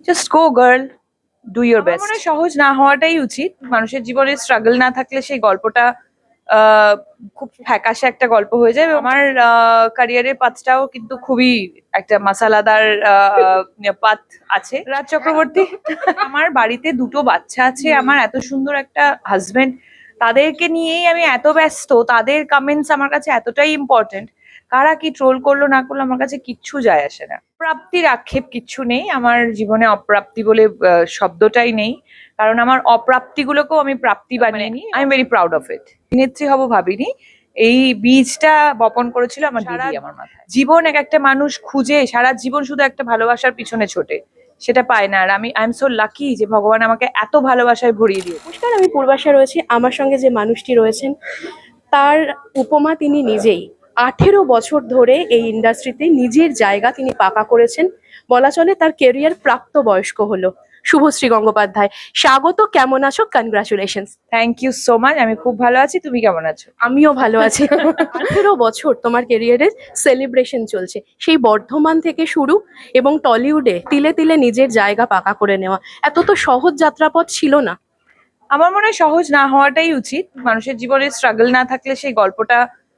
Just go girl, do your best. মনে হয় সহজ না হওয়াটাই উচিত। মানুষের জীবনে স্ট্রাগল না থাকলে সেই গল্পটা আহ, খুব ফ্যাকাশে একটা গল্প হয়ে যায়। আমার ক্যারিয়ারের পাথটাও কিন্তু খুবই একটা মাসালাদার পাথ আছে। রাজ চক্রবর্তী, আমার বাড়িতে দুটো বাচ্চা আছে, আমার এত সুন্দর একটা হাজবেন্ড, তাদেরকে নিয়েই আমি এত ব্যস্ত। তাদের কমেন্টস আমার কাছে এতটাই ইম্পর্টেন্ট। কারা কি ট্রোল করলো না করলো আমার কাছে কিচ্ছু যায় আসে না। প্রাপ্তির আক্ষেপ কিচ্ছু নেই আমার জীবনে, অপ্রাপ্তি বলে শব্দটাই নেই। কারণ আমার অপ্রাপ্তিগুলোকেও আমি প্রাপ্তি বানিয়ে নিই। I am very proud of it. অভিনেত্রী হব ভাবিনি, এই বীজটা বপন করেছিল আমার দিদি আমার মাথায়। জীবন এক একটা মানুষ খুঁজে সারা জীবন শুধু একটা ভালোবাসার পিছনে ছোটে, সেটা পায় না। আর আই এম সো লাকি যে ভগবান আমাকে এত ভালোবাসায় ভরিয়ে দিয়েছে। নমস্কার, আমি পূর্বাশা রয়েছি। আমার সঙ্গে যে মানুষটি রয়েছেন তার উপমা তিনি নিজেই। 18 বছর ধরে এই ইন্ডাস্ট্রিতে নিজের জায়গা তিনি পাকা করেছেন। বলা চলে তার কেরিয়ার প্রাপ্তবয়স্ক হলো। শুভশ্রী গঙ্গোপাধ্যায়, স্বাগত। কেমন আছো? Congratulations. Thank you so much. আমি খুব ভালো আছি, তুমি কেমন আছো? আমিও ভালো আছি। 18 বছর তোমার কেরিয়ারের সেলিব্রেশন চলছে, সেই বর্ধমান থেকে শুরু এবং টলিউডে তিলে তিলে নিজের জায়গা পাকা করে নেওয়া। এত তো সহজ যাত্রাপথ ছিল না। আমার মনে হয় সহজ না হওয়াটাই উচিত। মানুষের জীবনে স্ট্রাগল না থাকলে সেই গল্পটা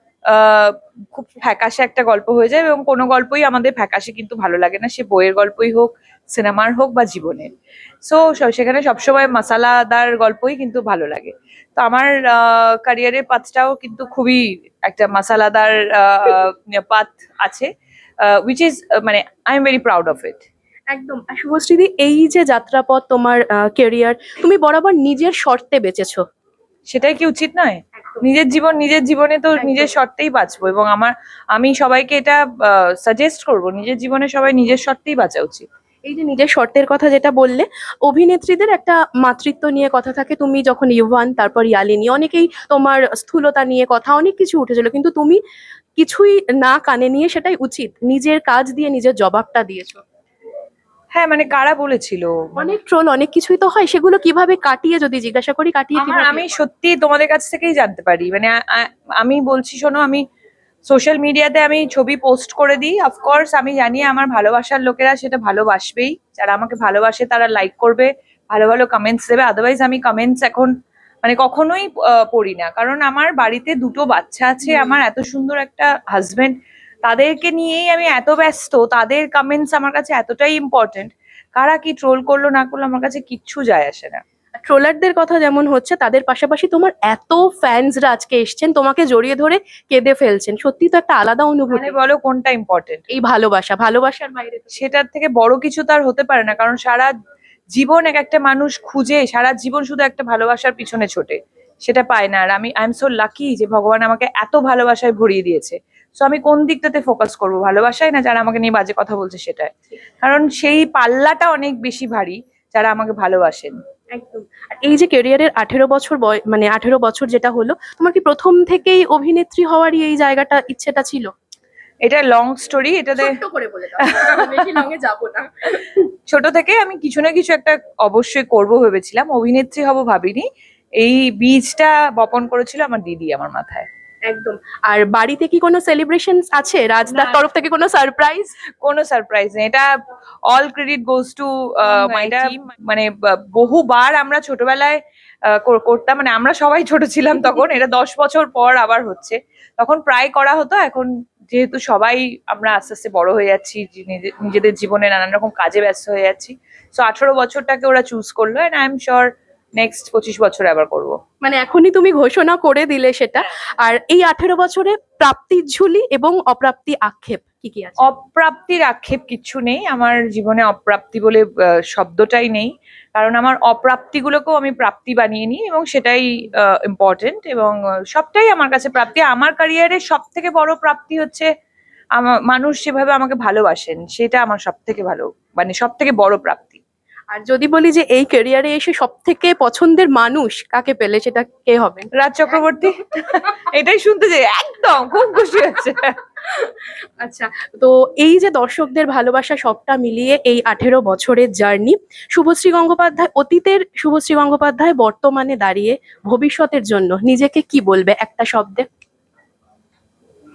খুব ফ্যাকাশে একটা গল্প হয়ে যায়। এবং কোনো গল্পই আমাদের ফ্যাকাশে কিন্তু ভালো লাগে না, সে বইয়ের গল্পই হোক, সিনেমার হোক বা জীবনের। সো সেখানে সবসময় মশালাদার গল্পই কিন্তু ভালো লাগে। তো আমার ক্যারিয়ারের পাথটাও কিন্তু খুবই একটা মশালাদার পাথ আছে, উইচ ইজ মানে I am very proud of it. একদম। আর শুভশ্রীদি, এই যে যাত্রাপথ তোমার কেরিয়ার, তুমি বরাবর নিজের শর্তে বেঁচেছো। সেটাই কি উচিত নয়? নিজের জীবন নিজের জীবনে তো নিজের শর্তেই বাঁচবো। এবং আমি সবাইকে এটা সাজেস্ট করব, নিজের জীবনে সবাই নিজের শর্তেই বাঁচা উচিত। এই যে নিজের শর্তের কথা যেটা বললে, অভিনেত্রীদের একটা মাতৃত্ব নিয়ে কথা থাকে। তুমি যখন ইউভান, তারপর ইয়ালিনী, অনেকেই তোমার স্থূলতা নিয়ে কথা, অনেক কিছু উঠেছিল, কিন্তু তুমি কিছুই না কানে নিয়ে সেটাই উচিত নিজের কাজ দিয়ে নিজের জবাবটা দিয়েছো। হ্যাঁ, মানে কারা বলেছিল? অনেক ট্রোল, অনেক কিছুই তো হয়, সেগুলো কিভাবে কাটিয়ে, যদি জিজ্ঞাসা করি, কাটিয়ে কিভাবে? আমি সত্যি তোমাদের কাছ থেকেই জানতে পারি। মানে আমি বলছি শোনো, আমি সোশ্যাল মিডিয়াতে আমি ছবি পোস্ট করে দিই। অফকোর্স আমি জানি আমার ভালোবাসার লোকেরা সেটা ভালোবাসবেই। যারা আমাকে ভালোবাসে তারা লাইক করবে, ভালো ভালো কমেন্টস দেবে। আদারওয়াইজ আমি কমেন্টস এখন মানে কখনোই পড়ি না। কারণ আমার বাড়িতে দুটো বাচ্চা আছে, আমার এত সুন্দর একটা হাজবেন্ড, তাদেরকে নিয়েই আমি এত ব্যস্ত। তাদের কমেন্টস আমার কাছে এতটাই ইম্পর্টেন্ট। কারা কি ট্রোল করলো না করলো আমার কাছে কিচ্ছু যায় আসে না। ট্রোলারদের কথা যেমন হচ্ছে, তাদের পাশাপাশি তোমার এত ফ্যান্সরা আজকে এসছেন, তোমাকে জড়িয়ে ধরে কেঁদে ফেলছেন। সত্যি তো একটা আলাদা অনুভূতি। মানে বলো কোনটা ইম্পর্টেন্ট? এই ভালোবাসা, ভালোবাসার বাইরে সেটার থেকে বড় কিছু তার হতে পারে না। কারণ সারা জীবন এক একটা মানুষ খুঁজে সারা জীবন শুধু একটা ভালোবাসার পিছনে ছোটে, সেটা পায় না। আর আই এম সো লাকি যে ভগবান আমাকে এত ভালোবাসায় ভরিয়ে দিয়েছে। সো আমি কোন দিকটাতে ফোকাস করবো, ভালোবাসায় না যারা আমাকে নিয়ে বাজে কথা বলছে সেটাই? কারণ সেই পাল্লাটা অনেক বেশি ভারী যারা আমাকে ভালোবাসেন। একদম। আর এই যে কেরিয়ারের 18 বছর মানে 18 বছর যেটা হলো, তোমার কি প্রথম থেকেই অভিনেত্রী হওয়ারই এই জায়গাটা, ইচ্ছেটা ছিল? এটা লং স্টোরি, এটাতে ছোট্ট করে বলে দাও, বেশি লঙে যাবো না। ছোট থেকে আমি কিছু না কিছু একটা অবশ্যই করব ভেবেছিলাম। অভিনেত্রী হব ভাবিনি, এই বীজটা বপন করেছিল আমার দিদি আমার মাথায়। একদম। আর বাড়িতে কি কোনো সেলিব্রেশন আছে? রাজদার তরফ থেকে কোনো সারপ্রাইজ? কোনো সারপ্রাইজ নেই, এটা all credit goes to my team. মানে বহুবার আমরা ছোটবেলায় করতাম। মানে আমরা সবাই ছোট ছিলাম তখন, এটা 10 বছর পর আবার হচ্ছে। তখন প্রায় করা হতো। এখন যেহেতু সবাই আমরা আস্তে আস্তে বড় হয়ে যাচ্ছি, নিজেদের জীবনে নানান রকম কাজে ব্যস্ত হয়ে যাচ্ছি, সো 18 বছরটাকে ওরা চুজ করলো। And I am sure next 25 বছরে আবার করবো। মানে এখনই তুমি ঘোষণা করে দিলে সেটা। আর এই 18 বছরে প্রাপ্তির ঝুলি এবং অপ্রাপ্তি আক্ষেপ কি কি আছে? অপ্রাপ্তির আক্ষেপ কিচ্ছু নেই আমার জীবনে। অপ্রাপ্তি বলে শব্দটাই নেই। কারণ আমার অপ্রাপ্তিগুলোকেও আমি প্রাপ্তি বানিয়ে নিই এবং সেটাই ইম্পর্টেন্ট। এবং সবটাই আমার কাছে প্রাপ্তি। আমার ক্যারিয়ারের সব থেকে বড় প্রাপ্তি হচ্ছে আমার মানুষ যেভাবে আমাকে ভালোবাসেন, সেটা আমার সব থেকে ভালো, মানে সব থেকে বড় প্রাপ্তি। আর যদি বলি যে এই ক্যারিয়ারে এসে সব থেকে পছন্দের মানুষ কাকে পেলে, সেটা কে হবে? রাজ চক্রবর্তী। এটাই শুনতে চাই, একদম খুব খুশি হচ্ছে। আচ্ছা। তো এই যে দর্শকদের ভালোবাসা, সবটা মিলিয়ে এই 18 বছরের জার্নি, শুভশ্রী গঙ্গোপাধ্যায়, অতীতের শুভশ্রী গঙ্গোপাধ্যায় বর্তমানে দাঁড়িয়ে ভবিষ্যতের জন্য নিজেকে কি বলবে একটা শব্দে?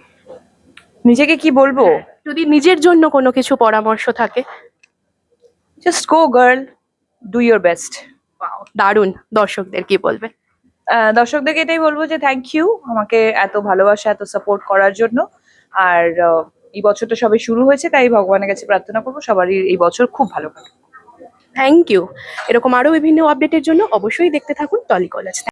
নিজেকে কি বলবো? যদি নিজের জন্য কোনো কিছু পরামর্শ থাকে। Just go girl, do your best. দারুণ, দর্শকদের কি বলবে? দর্শকদেরকে এটাই বলবো যে থ্যাংক ইউ আমাকে এত ভালোবাসা এত সাপোর্ট করার জন্য। আর এই বছরটা সবে শুরু হয়েছে, তাই ভগবানের কাছে প্রার্থনা করবো সবারই এই বছর খুব ভালো কাটুক। Thank you. এরকম আরো বিভিন্ন আপডেটের জন্য অবশ্যই দেখতে থাকুন টলি কলেজ।